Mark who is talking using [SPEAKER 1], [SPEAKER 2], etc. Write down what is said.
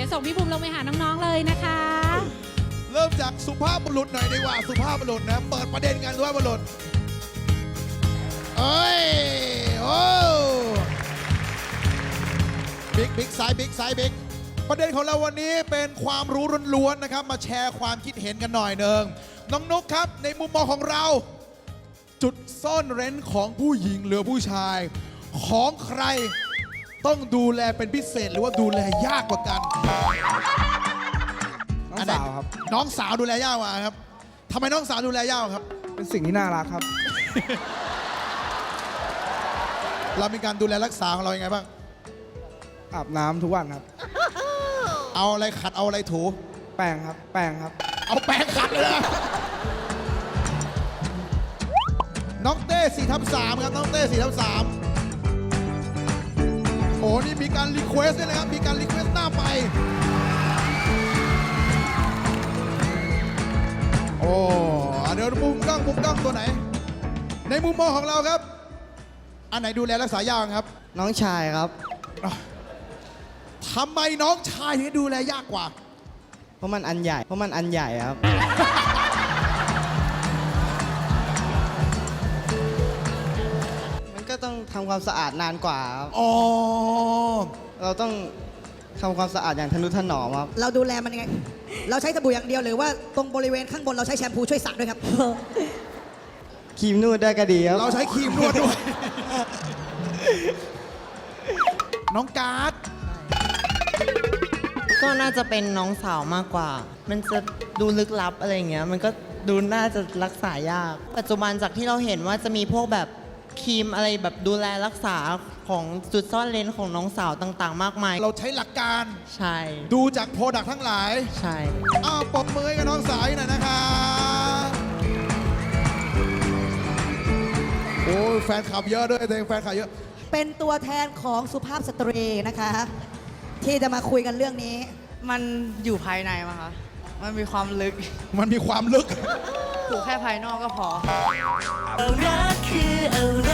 [SPEAKER 1] ส่งพี่ภูมิลงไปหาน้องๆเลยนะคะ
[SPEAKER 2] เริ่มจากสุภาพบุรุษหน่อยดีกว่าสุภาพบุรุษนะเปิดประเด็นกันสุภาพบุรุษเอ้ยโอ้บิ๊กไซส์บิ๊กประเด็นของเราวันนี้เป็นความรู้ล้วนๆนะครับมาแชร์ความคิดเห็นกันหน่อยหนึ่งน้องนุ๊กครับในมุมมองของเราจุดซ่อนเร้นของผู้หญิงหรือผู้ชาย ของใครต้องดูแลเป็นพิเศษหรือว่าดูแลยากกว่ากัน
[SPEAKER 3] น้องสาวครับ
[SPEAKER 2] น้องสาวดูแลยากกว่าครับทำไมน้องสาวดูแลยากครับ
[SPEAKER 3] เป็นสิ่งที่น่ารักครับ
[SPEAKER 2] เรามีการดูแลรักษาของเรายังไงบ้าง
[SPEAKER 3] อาบน้ำทุกวันครับ
[SPEAKER 2] เอาอะไรขัดเอาอะไรถู
[SPEAKER 3] แปรงครับ แปรงครับ
[SPEAKER 2] เอาแปรงขัดเลยนะน้องเต้4/3ครับน้องเต้4/3โอ้นี่มีการรีเควสด้วยนะครับมีการรีเควสหน้าไปโอ้เดี๋ยวมุมกล้องตัวไหน ในมุมมองของเราครับอันไหนดูแลรักษายากครับ
[SPEAKER 4] น้องชายครับ
[SPEAKER 2] ทำไมน้องชายถึงดูแลยากกว่า
[SPEAKER 4] เพราะมันอันใหญ่ครับ มันก็ต้องทำความสะอาดนานกว่าครับ
[SPEAKER 2] อ๋อ
[SPEAKER 4] เราต้องทำความสะอาดอย่างทนุถนอมครับ
[SPEAKER 5] เราดูแลมันยังไง เราใช้สบู่อย่างเดียวหรือว่าตรงบริเวณข้างบนเราใช้แชมพูช่วยสระด้วยครับ
[SPEAKER 4] ครีมนวดได้ก็ดีครับ
[SPEAKER 2] เราใช้ครีมนวดด้วย น้องการ์ด
[SPEAKER 6] ก็น่าจะเป็นน้องสาวมากกว่า มันจะดูลึกลับอะไรอย่างเงี้ย มันก็ดูน่าจะรักษายาก ปัจจุบันจากที่เราเห็นว่าจะมีพวกแบบครีมอะไรแบบดูแลรักษาของจุดซ่อนเลนของน้องสาวต่างๆ มากมาย
[SPEAKER 2] เราใช้หลักการ
[SPEAKER 6] ใช่
[SPEAKER 2] ดูจากโปรดักต์ทั้งหลาย
[SPEAKER 6] ใช่
[SPEAKER 2] อ้าวปรบมือให้กับน้องสายหน่อยนะคะโอ้ยแฟนคลับเยอะด้วยตัวเองแฟนคลับเยอะ
[SPEAKER 5] เป็นตัวแทนของสุภาพสตรีนะคะ ที่จะมาคุยกันเรื่องนี้
[SPEAKER 7] มันอยู่ภายในมั้งคะ มันมีความลึก
[SPEAKER 2] มันมีความลึก
[SPEAKER 7] ถูกแค่ภายนอกก็พอ
[SPEAKER 8] รักคืออะไร